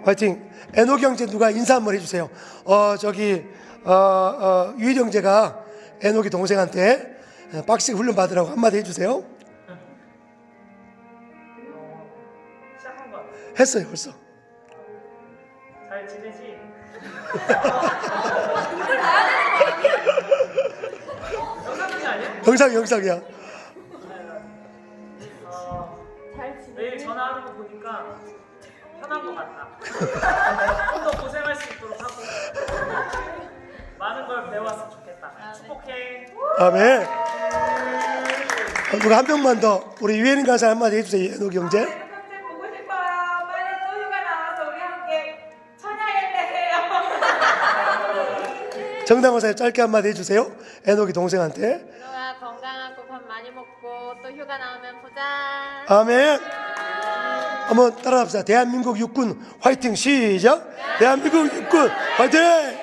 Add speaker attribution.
Speaker 1: 화이팅. 에녹이 형제 누가 인사 한번 해주세요. 유일 형제가 에녹이 동생한테 박식 훈련 받으라고 한마디 해주세요.
Speaker 2: 시작한 거
Speaker 1: 했어요 벌써.
Speaker 2: 잘 지내지? 영상이 아니야?
Speaker 1: 영상이야.
Speaker 2: 매일 전화하는 거 보니까 편한 것 같다. 좀 더 고생할 수 있도록 하고 많은 걸 배워왔으면 좋겠다. 축복해.
Speaker 1: 아멘. 누가 한 명만 더 우리 유혜린 가사 한마디 해주세요. 에녹이 형제.
Speaker 3: 평생 보고 싶어요. 빨리 또 휴가 나와서 우리 함께 찬양했네요.
Speaker 1: 정당호사님 짧게 한마디 해주세요. 에녹이 동생한테.
Speaker 4: 너가 건강하고 밥 많이 먹고 또 휴가 나오면 보자.
Speaker 1: 아멘. 한번 따라합시다. 대한민국 육군 화이팅. 시작. 대한민국 육군 화이팅.